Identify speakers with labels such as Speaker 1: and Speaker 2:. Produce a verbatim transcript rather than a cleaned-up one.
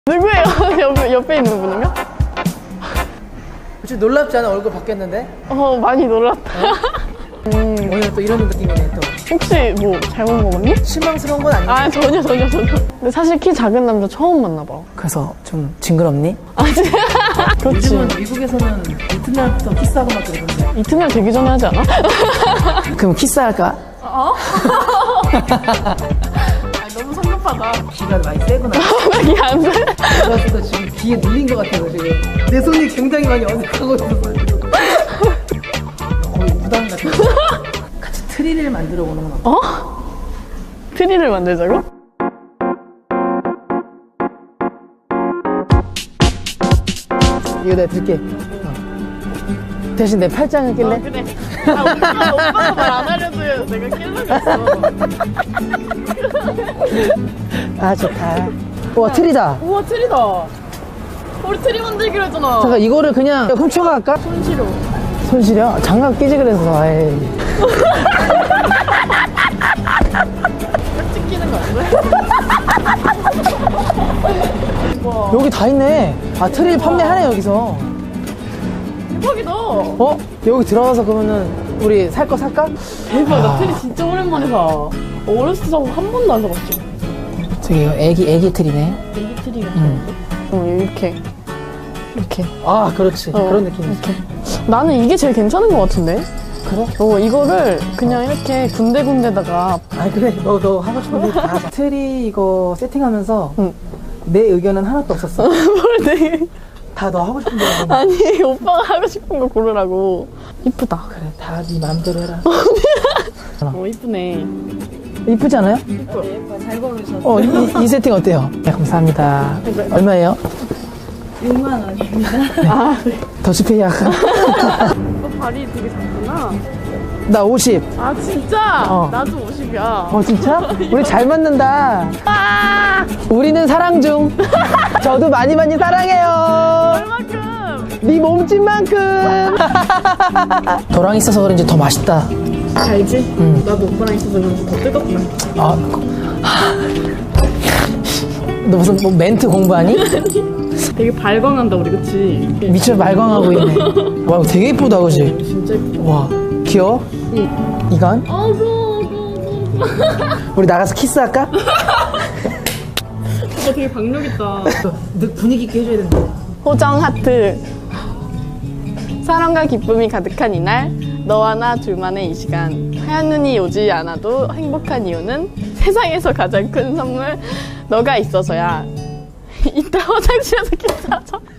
Speaker 1: 누구예요? 옆에, 옆에 있는 분인가?
Speaker 2: 혹시 놀랍지 않아? 얼굴 바뀌었는데?
Speaker 1: 어, 많이 놀랐다.
Speaker 2: 음, 오늘 또 이런 느낌이네 또.
Speaker 1: 혹시 뭐 잘못 먹었니?
Speaker 2: 실망스러운 건 아니지?
Speaker 1: 아, 전혀, 전혀, 전혀. 근데 사실 키 작은 남자 처음 만나봐.
Speaker 2: 그래서 좀 징그럽니?
Speaker 1: 아직. 그렇지.
Speaker 2: 요즘은 미국에서는 이튿날부터 키스하고 막 그러던데.
Speaker 1: 이튿날 되기 전에 하지 않아?
Speaker 2: 그럼 키스할까?
Speaker 1: 어? 아, 너무 성급하다.
Speaker 2: 기가 많이 세구나.
Speaker 1: 이게 안 돼?
Speaker 2: 그래서 지금 귀에 눌린 것 같아요 지금. 내 손이 굉장히 많이 어색하고 있어서 지금. 거의 무당 같아. 같이 트리를 만들어 보는 건 어때?
Speaker 1: 어? 트리를 만들자고?
Speaker 2: 이거 내가 들게. 어. 대신 내 팔짱을 낄래?
Speaker 1: 어, 그래. 아, 오빠, 오빠가 말 안 하려도 내가 낄려겠어.
Speaker 2: 아 좋다. 와 트리다.
Speaker 1: 우와, 트리다. 우리 트리 만들기로 했잖아.
Speaker 2: 잠깐 이거를 그냥 훔쳐갈까?
Speaker 1: 손시려.
Speaker 2: 손시려? 장갑 끼지 그래서. 에이.
Speaker 1: 딱 찍히는 거 아니야? 와,
Speaker 2: 여기 다 있네. 아 트리 판매하네 여기서.
Speaker 1: 대박이다.
Speaker 2: 어? 여기 들어가서 그러면은 우리 살 거 살까?
Speaker 1: 대박, 나 트리 진짜 오랜만에 사. 어렸을 때 사고 한 번도 안 사봤지.
Speaker 2: 저기 이거 애기 애기 트리네.
Speaker 1: 애기 트리가.
Speaker 2: 응.
Speaker 1: 어, 이렇게. 이렇게.
Speaker 2: 아 그렇지.
Speaker 1: 어,
Speaker 2: 그런 느낌이지.
Speaker 1: 이렇게. 나는 이게 제일 괜찮은 것 같은데?
Speaker 2: 그래?
Speaker 1: 어, 이거를 그냥 이렇게 군데군데다가.
Speaker 2: 아 그래. 너 너 하고 싶은 거 다 하자. 트리 이거 세팅하면서
Speaker 1: 응.
Speaker 2: 내 의견은 하나도 없었어.
Speaker 1: 뭘 되게.
Speaker 2: 다 너 하고 싶은 대로 해.
Speaker 1: 아니, 오빠가 하고 싶은 거 고르라고. 이쁘다.
Speaker 2: 그래 다 네 마음대로 해라.
Speaker 1: 어, 이쁘네.
Speaker 2: 이쁘지 않아요?
Speaker 1: 예뻐. 잘 고르셨어.
Speaker 2: 어, 이, 이 세팅 어때요? 네, 감사합니다. 얼마예요?
Speaker 1: 육만 원입니다. 아, 네.
Speaker 2: 더치페이 할까?
Speaker 1: 오빠 발이 되게 작구나.
Speaker 2: 나 오십.
Speaker 1: 아, 진짜?
Speaker 2: 어.
Speaker 1: 나도 오십이야.
Speaker 2: 어, 진짜? 우리 잘 맞는다.
Speaker 1: 아!
Speaker 2: 우리는 사랑 중. 저도 많이 많이 사랑해요.
Speaker 1: 얼마큼?
Speaker 2: 네 몸집만큼. 너랑 있어서 그런지 더 맛있다.
Speaker 1: 알지?
Speaker 2: 응.
Speaker 1: 나도 오빠랑 있어서 그런지 더 뜨겁다.
Speaker 2: 아, 너 무슨 뭐 멘트 공부하니?
Speaker 1: 되게 발광한다, 우리, 그치?
Speaker 2: 미쳐 말광하고 있네. 와, 되게 이쁘다, 그지?
Speaker 1: 진짜 예쁘다.
Speaker 2: 와, 귀여워?
Speaker 1: 응.
Speaker 2: 이건?
Speaker 1: 아, 무서워, 무서워, 무서워.
Speaker 2: 우리 나가서 키스할까?
Speaker 1: 오빠 되게 박력있다.
Speaker 2: 너 분위기 있게 해줘야 된다.
Speaker 1: 호정 하트. 사랑과 기쁨이 가득한 이날, 너와 나 둘만의 이 시간. 하얀 눈이 오지 않아도 행복한 이유는 세상에서 가장 큰 선물, 너가 있어서야. 이따 화장실에서 키스하자.